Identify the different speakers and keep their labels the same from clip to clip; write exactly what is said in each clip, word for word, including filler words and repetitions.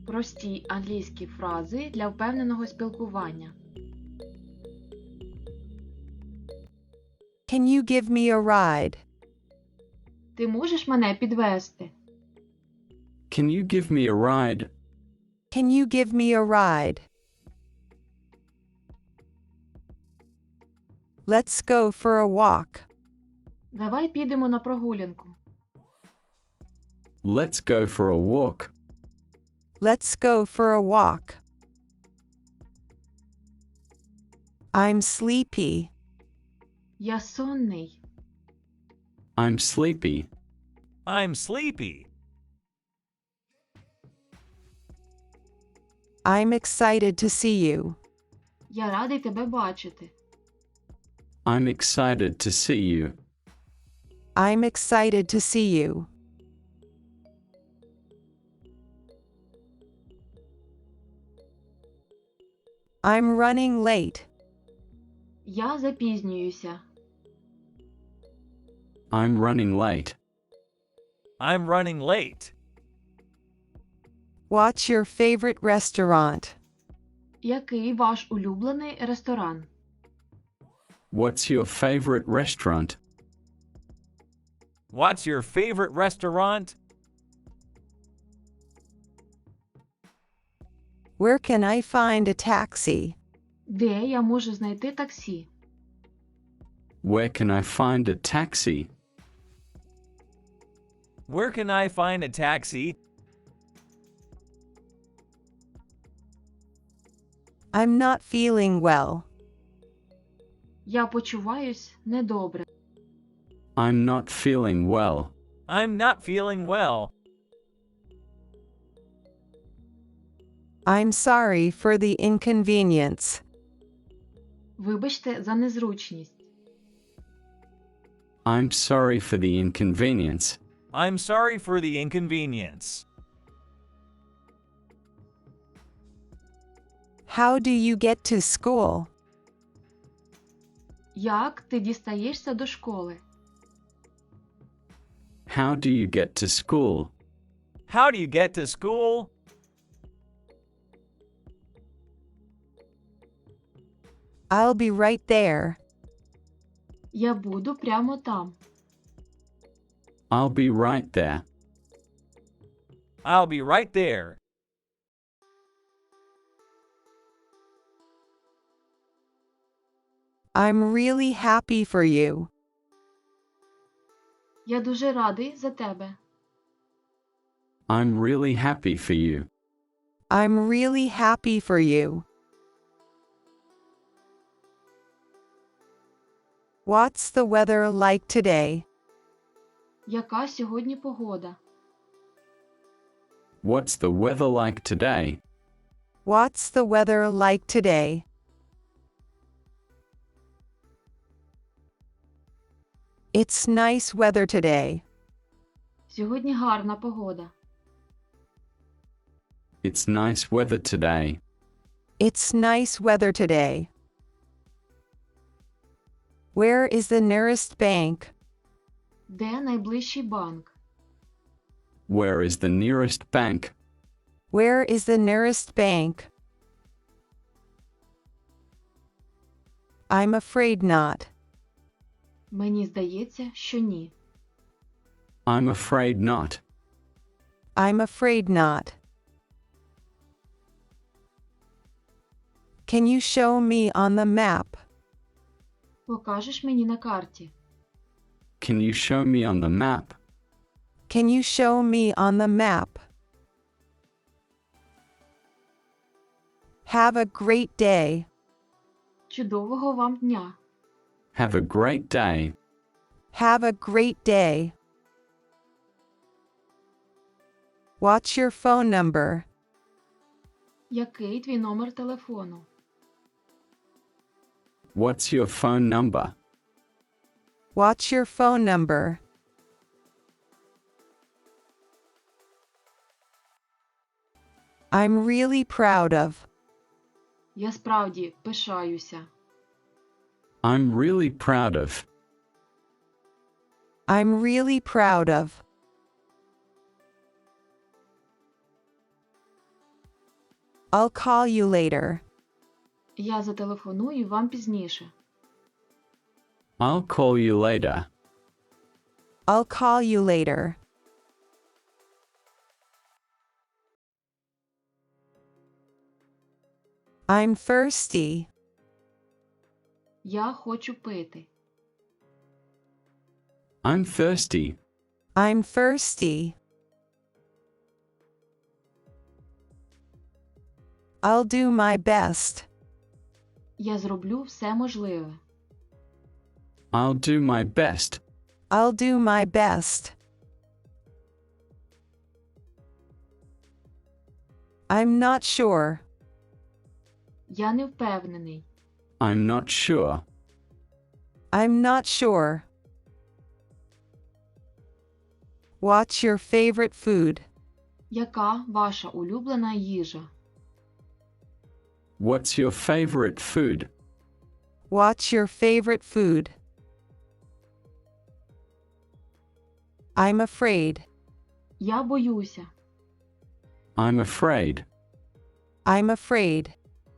Speaker 1: Прості англійські фрази для впевненого спілкування.
Speaker 2: Can you give me a ride?
Speaker 1: Ти можеш мене підвести?
Speaker 3: Can you give me a ride?
Speaker 2: Can you give me a ride? Let's go for a walk.
Speaker 1: Давай підемо на прогулянку.
Speaker 3: Let's go for a walk.
Speaker 2: Let's go for a walk. I'm sleepy.
Speaker 1: Я сонний.
Speaker 3: I'm sleepy.
Speaker 4: I'm sleepy.
Speaker 2: I'm excited to see you.
Speaker 1: Я радий тебе бачити.
Speaker 3: I'm excited to see you.
Speaker 2: I'm excited to see you. I'm running late.
Speaker 1: Я запізнююся.
Speaker 3: I'm running late.
Speaker 4: I'm running late.
Speaker 2: What's your favorite restaurant?
Speaker 1: Який ваш улюблений ресторан?
Speaker 3: What's your favorite restaurant?
Speaker 4: What's your favorite restaurant?
Speaker 2: Where can I find a taxi?
Speaker 1: Де я можу знайти таксі?
Speaker 3: Where can I find a taxi?
Speaker 4: Where can I find a taxi?
Speaker 2: I'm not feeling well.
Speaker 1: Я почуваюсь недобре.
Speaker 3: I'm not feeling well.
Speaker 4: I'm not feeling well.
Speaker 2: I'm sorry for the inconvenience.
Speaker 1: Вибачте за незручність.
Speaker 3: I'm sorry for the inconvenience.
Speaker 4: I'm sorry for the inconvenience.
Speaker 2: How do you get to school?
Speaker 1: Як ти дістаєшся до школи?
Speaker 3: How do you get to school?
Speaker 4: How do you get to school?
Speaker 2: I'll be right there.
Speaker 1: Я буду прямо там.
Speaker 3: I'll be right there.
Speaker 4: I'll be right there.
Speaker 2: I'm really happy for you.
Speaker 1: Я дуже радий за тебе.
Speaker 3: I'm really happy for you.
Speaker 2: I'm really happy for you. What's the weather like today?
Speaker 1: Яка сьогодні погода?
Speaker 3: What's the weather like today?
Speaker 2: What's the weather like today? It's nice weather today.
Speaker 1: Сьогодні гарна погода.
Speaker 3: It's nice weather today.
Speaker 2: It's nice weather today. Where is the nearest bank?
Speaker 1: Де найближчий банк?
Speaker 3: Where is the nearest bank?
Speaker 2: Where is the nearest bank? I'm afraid not.
Speaker 1: Мені здається, що ні.
Speaker 3: I'm afraid not.
Speaker 2: I'm afraid not. Can you show me on the map?
Speaker 1: Покажеш мені на карті?
Speaker 3: Can you show me on the map?
Speaker 2: Can you show me on the map? Have a great day.
Speaker 1: Чудового вам дня.
Speaker 3: Have a great day.
Speaker 2: Have a great day. What's your phone number?
Speaker 1: Який твій номер телефону?
Speaker 3: What's your phone number?
Speaker 2: What's your phone number? I'm really proud of.
Speaker 1: Я справді пишаюся.
Speaker 3: I'm really proud of.
Speaker 2: I'm really proud of. I'll call you later.
Speaker 1: Я зателефоную вам пізніше.
Speaker 3: I'll call you later.
Speaker 2: I'll call you later. I'm thirsty.
Speaker 1: Я хочу пити.
Speaker 3: I'm thirsty.
Speaker 2: I'm thirsty. I'll do my best.
Speaker 1: Я зроблю все можливе.
Speaker 3: I'll do my best.
Speaker 2: I'll do my best. I'm not sure.
Speaker 1: Я не впевнений.
Speaker 3: I'm not sure.
Speaker 2: I'm not sure. What's your favorite food?
Speaker 1: Яка ваша улюблена їжа?
Speaker 3: What's your favorite food?
Speaker 2: What's your favorite food? I'm afraid.
Speaker 1: Я боюся.
Speaker 3: I'm afraid.
Speaker 2: I'm afraid.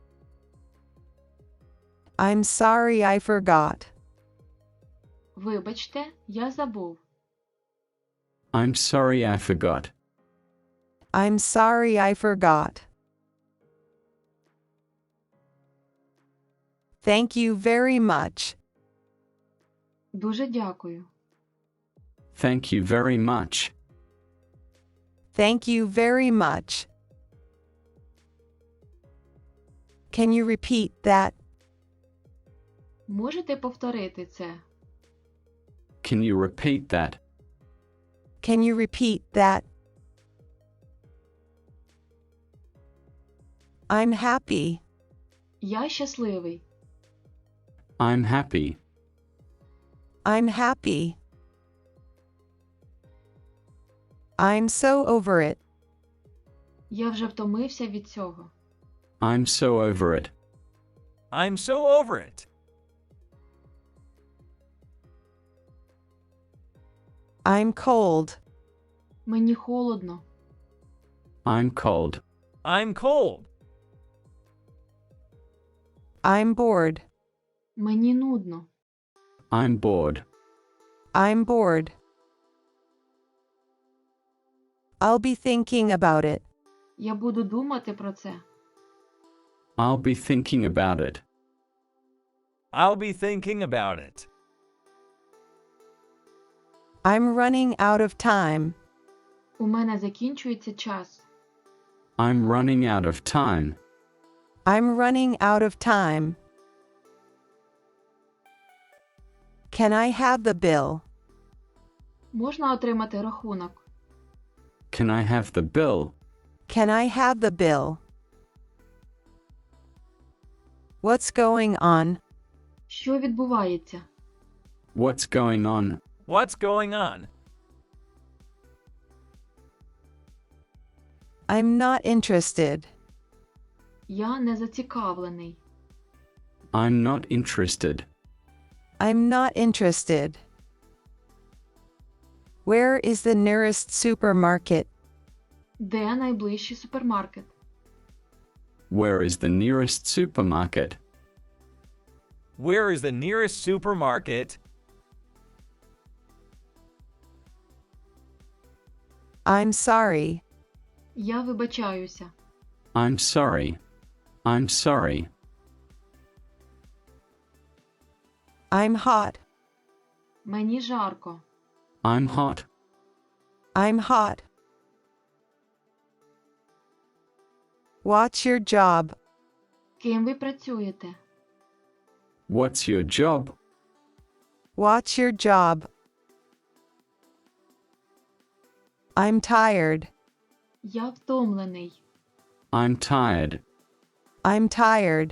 Speaker 2: I'm sorry I forgot.
Speaker 1: Вибачте, я забув.
Speaker 3: I'm sorry I forgot.
Speaker 2: I'm sorry I forgot. Thank you very much.
Speaker 1: Дуже дякую.
Speaker 3: Thank you very much.
Speaker 2: Thank you very much. Can you repeat that?
Speaker 1: Можете повторити це?
Speaker 3: Can you repeat that?
Speaker 2: Can you repeat that? I'm happy.
Speaker 1: Я щасливий.
Speaker 3: I'm happy.
Speaker 2: I'm happy. I'm so over it.
Speaker 1: Я вже втомився від цього.
Speaker 3: I'm so over it.
Speaker 4: I'm so over it.
Speaker 2: I'm cold.
Speaker 1: Мені холодно.
Speaker 3: I'm cold.
Speaker 4: I'm cold.
Speaker 2: I'm bored.
Speaker 1: Мені нудно.
Speaker 3: I'm bored.
Speaker 2: I'm bored. I'll be thinking about it.
Speaker 1: Я буду думати про це.
Speaker 3: I'll be thinking about it.
Speaker 4: I'll be thinking about it.
Speaker 2: I'm running out of time.
Speaker 1: У мене закінчується час.
Speaker 3: I'm running out of time.
Speaker 2: I'm running out of time. Can I have the bill?
Speaker 1: Можна отримати рахунок?
Speaker 3: Can I have the bill?
Speaker 2: Can I have the bill? What's going on?
Speaker 1: Що відбувається?
Speaker 3: What's going on?
Speaker 4: What's going on?
Speaker 2: I'm not interested.
Speaker 1: Я не зацікавлений.
Speaker 3: I'm not interested.
Speaker 2: I'm not interested. Where is the nearest supermarket?
Speaker 1: Де найближчий супермаркет?
Speaker 3: Where is the nearest supermarket?
Speaker 4: Where is the nearest supermarket?
Speaker 2: I'm sorry.
Speaker 1: Я вибачаюся.
Speaker 3: I'm sorry. I'm sorry.
Speaker 2: I'm hot.
Speaker 1: Мені жарко.
Speaker 3: I'm hot.
Speaker 2: I'm hot. What's your job?
Speaker 1: Ким ви працюєте?
Speaker 3: What's your job?
Speaker 2: What's your job? I'm tired.
Speaker 1: Я втомлений.
Speaker 3: I'm tired.
Speaker 2: I'm tired.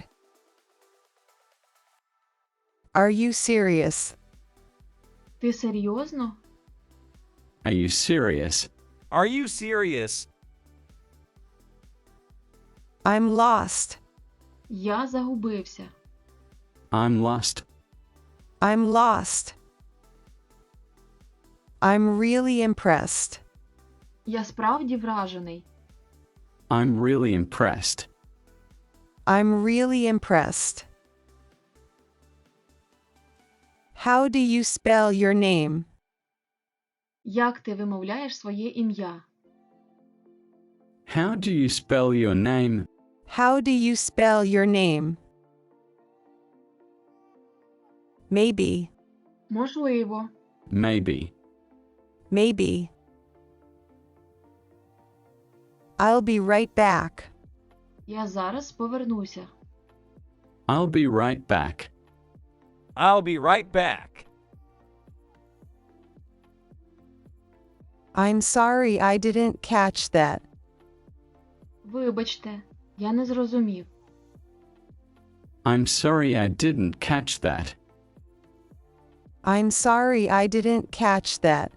Speaker 2: Are you serious?
Speaker 1: Ти серйозно?
Speaker 3: Are you serious?
Speaker 4: Are you serious?
Speaker 2: I'm lost.
Speaker 1: Я загубився.
Speaker 3: I'm lost.
Speaker 2: I'm lost. I'm really impressed.
Speaker 1: Я справді вражений.
Speaker 3: I'm really impressed.
Speaker 2: I'm really impressed. How do you spell your name?
Speaker 1: Як ти вимовляєш своє ім'я?
Speaker 3: How do you spell your name?
Speaker 2: How do you spell your name? Maybe.
Speaker 1: Можливо.
Speaker 3: Maybe.
Speaker 2: Maybe. I'll be right back.
Speaker 1: Я зараз повернуся.
Speaker 3: I'll be right back.
Speaker 4: I'll be right back.
Speaker 2: I'm sorry I didn't catch that.
Speaker 1: Вибачте, я не зрозумів.
Speaker 3: I'm sorry I didn't catch that.
Speaker 2: I'm sorry I didn't catch that.